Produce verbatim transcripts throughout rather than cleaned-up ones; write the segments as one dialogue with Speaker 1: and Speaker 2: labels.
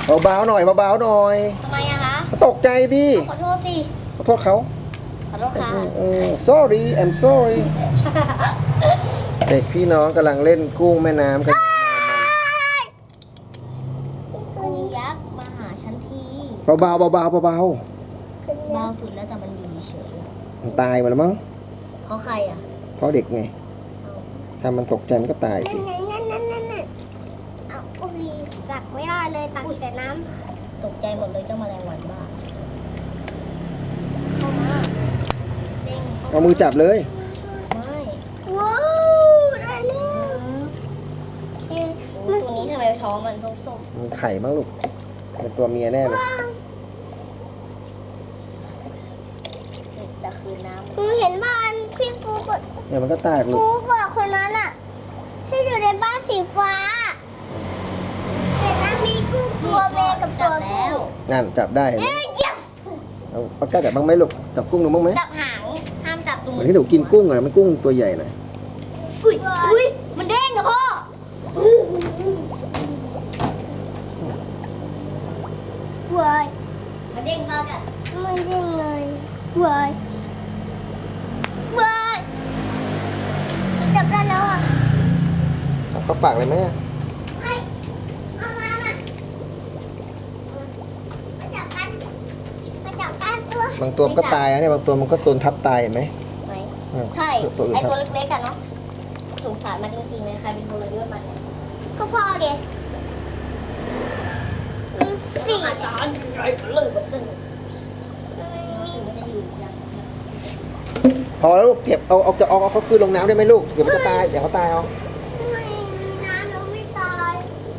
Speaker 1: เบาๆหน่อยเบาๆหน่อย
Speaker 2: ทำไมอะคะ
Speaker 1: ตกใจดิ
Speaker 2: ขอโทษสิ
Speaker 1: ขอโทษเขา
Speaker 2: ขอโทษค่ะ
Speaker 1: sorry I'm sorry เด็กพี่น้องกำลังเล่นกุ้งแม่น้ำกัน
Speaker 2: กุ้งยักษ์มาหาฉันที
Speaker 1: เบาๆเบาๆเบาๆเบา
Speaker 2: เบาสุดแล้วแต่มันอยู่เฉย
Speaker 1: มันตายหมดแล้วมั้ง
Speaker 2: เพราะใครอ่ะ
Speaker 1: เพราะเด็กไงถ้ามันตกใจมันก็ตายสิ
Speaker 3: นั่นนั่นนั่นนั่นนั่นเอาอุ้ยกัดไม่ได้เลยตักแต่น้ำ
Speaker 2: ตกใจหมดเลยเจ้าแมลงวันบ้าเข้ามาเด้ง
Speaker 1: เอามือจับเลย
Speaker 2: ไม่
Speaker 3: ว้าวได้แล้ว
Speaker 2: ตัวนี้ทำไมท้องมันส้ม
Speaker 1: มันไข่บ้างลูกเป็นตัวเมียแน่เลย
Speaker 2: จะคืนน้ำ
Speaker 3: หนูเห็นบ้านพี่ฟูกด
Speaker 1: เนี่ยมันก็ตายลูก
Speaker 3: ฟูกดคนนั้นอะที่อยู่ในบ้านสีฟ้าแต่นั้นมีกุ้งตัวเมย์กับตัวผู้
Speaker 1: นั่นจับได้เห็นไหมเอาปากกาจับบ้างไหมลูกจับกุ้งหนูบ้างไหม
Speaker 2: จับหางห้ามจับตรง
Speaker 1: เหมือนที่หนูกินกุ้งอะมันกุ้งตัวใหญ่หน่อย
Speaker 2: อุ้ยอุ้ยมันเด้งอะพ่อ
Speaker 3: เว้ย
Speaker 2: มันเด้งมากอะ
Speaker 3: ไม่เด้งเลยเว้ยเว้ยจับได้แล้วอ่ะ
Speaker 1: จับเข้าปากเลยไหม
Speaker 3: ไม่เอามามามาจับกันมาจับกันตัว
Speaker 1: บางตัวก็ตายนะเนี่ยบางตัวมันก็ตนทับตายเห็นไหม
Speaker 2: ไม่ใช่ไอตัวเล็กๆกันเนาะสงสารมันจริงๆเลยใครเป็นคนเลือกมันเนี่ย
Speaker 3: ก็พอเด็ก
Speaker 2: สี่อาจารย์ใหญ่เลยแบบจึง
Speaker 1: พอแล้วลูกเก็บเอาเอาจะเอาเขาคืนลงน้ำได้ไหมลูกเดี๋ยวมันจะตายเดี๋ยวเขาตายเอา
Speaker 3: ไม่มีน้ำเราไม่ตาย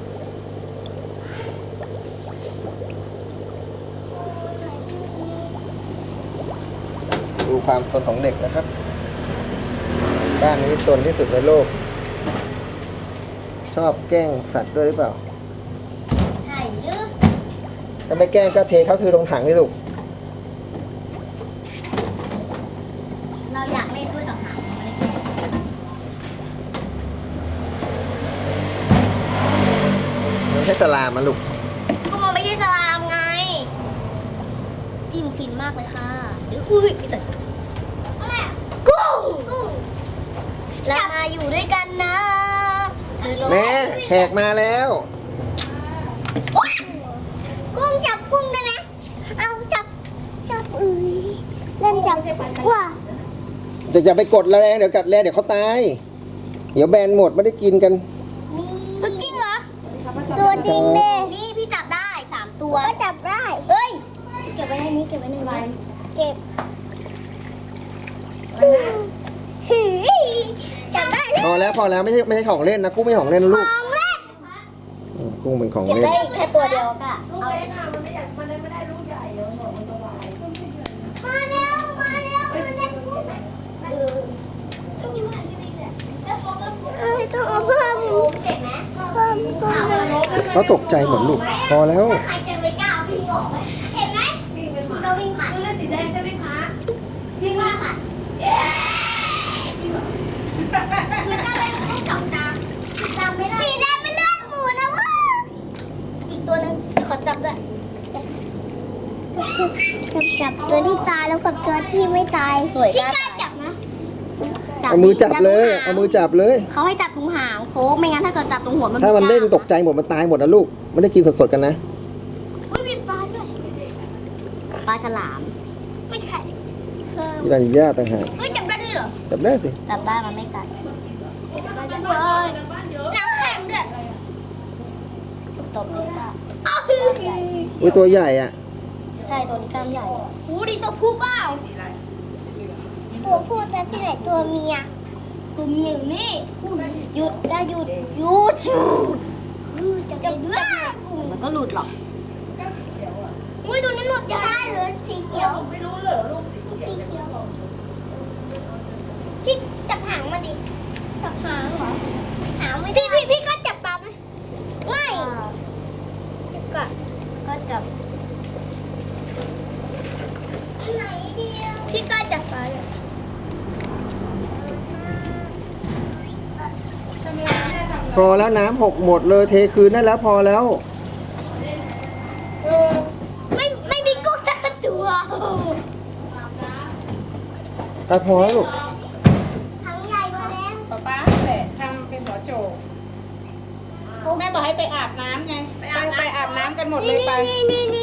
Speaker 1: ดูความสนของเด็กนะครับบ้านนี้สนที่สุดในโลกชอบแกล้งสัตว์ด้วยหรือเปล่า
Speaker 2: ใช่หรือ
Speaker 1: ถ้าไม่แกล้งก็เทเขาคือลงถังนี่ลูก
Speaker 2: เราอยากเล่นด้วยต่อหาง
Speaker 1: มันใช่สลามมันลูก
Speaker 2: ก็มันไม่ใช่สลามไงจิ้มฟินมากเลยค่ะหรืออุ้ยพี่ตัดกุ้งกุ้งเรามาอยู่ด้วยกันนะ
Speaker 1: แม่แขกมาแล้ว
Speaker 3: กุ้งจับกุ้งได้ไหมเอาจับจับเอ้ยเล่นจับว้า
Speaker 1: จะอย่าไปกดแรงเดี๋ยวกัดแรงเดี๋ยวเขาตายเดี๋ยวแบนหมดไม่ได้กินกัน
Speaker 3: ตัวจริงเหรอตัวจริงเลย
Speaker 2: นี่พี่จับได้สามตัว
Speaker 3: ก็จับได้
Speaker 2: เฮ้ยเก็บไว้ในนี้เก็บไว้ในใบ
Speaker 3: เก็บจับได้
Speaker 1: พอแล้วพอแล้วไม่ใช่ไม่ใช่ของเล่นนะกุ้งไม่ใช่ของเล่นนะลูก
Speaker 3: ของเล่น
Speaker 1: กุ้งเป็นของ
Speaker 2: เก็บ
Speaker 1: เล่น
Speaker 2: ได้แค่ตัวเดียวก็เอา
Speaker 3: มาแล้วมาแล้วมาเล่นกุ้งเอ้ยต้องเอาเพิ่ม
Speaker 2: เจ็บไหม
Speaker 3: เพิ่มเพิ่ม
Speaker 1: เขาตกใจหมดลูกพอแล้ว
Speaker 2: ใครจะไปกล้าวิ่งออกเห็นไหมเราวิ่งผ่านเลือดสีแดงใช่ไหมคะวิ่งผ่านมันก็เลยต้องจับตาจำไม่ได้
Speaker 3: สีแดงเป็นเลือดหมูนะวะ
Speaker 2: อีกตัวนึงเดี๋ยวขอจับด้วย
Speaker 3: จับจับจับตัวที่ตายแล้วกับตัวที่ไม่ตาย
Speaker 2: พี่กล้าจับนะ
Speaker 1: เอามือจับเลยเอามือจับเลย
Speaker 2: เขาให้จับตรงหางโฟกไม่งั้นถ้าเกิดจับตรงหัวมัน
Speaker 1: ถ้ามันเล่นตกใจหมดมันตายหมดนะลูกไม่ได้กินสดๆกันนะ
Speaker 2: อุ้ยมีปลาด้วยปลาฉลาม
Speaker 3: ไม่ใช่
Speaker 1: พี่รัญญาต่างหาก
Speaker 2: เฮ้ยจับได้ด้วยเหรอ
Speaker 1: จับได้สิ
Speaker 2: จับได้มันไม่กัด
Speaker 3: น้ำแข็งด้วย
Speaker 2: ตบเลยป่ะ
Speaker 1: อุ้ยตัวใหญ่อ่ะ
Speaker 2: ใช่ตัวนี้กล้ามใหญ่โอ้ดีตัวผู้เปล่า
Speaker 3: ตัวผู้แต่ที่ไหนตัวเมีย
Speaker 2: ตัวเมียอยู่นี่หยุดได้หยุดหยุด
Speaker 3: จะไปด้วย
Speaker 2: มันก็หลุดหรอกอุ้ยตัวนี้หลุดใหญ่
Speaker 3: ใช่หรือสีเขียว
Speaker 2: ไม่รู้เลยลูก
Speaker 3: สีเขียวที่จับหางมาดิจับหางเหรอหางไม่ได้พี่พี่พี่ก็จับปลาไหมไม่ก็
Speaker 2: ก็จับ
Speaker 3: ไหนเดียวพี่ก็จับปลาเลย
Speaker 1: พอแล้วน้ำหกหมดเลยเทคืนได้แล้วพอแล้ว
Speaker 2: ว้าว
Speaker 1: อ่ะพอแล้วลูก
Speaker 3: ถังใหญ่มาแล้ว
Speaker 4: ป๊าป๊าแหละทำเป็นหัวโจกแม่บอกให้ไปอาบน้ำไงไปไปอาบน้ำกันหมดเลยไป
Speaker 3: นี่นี่นี่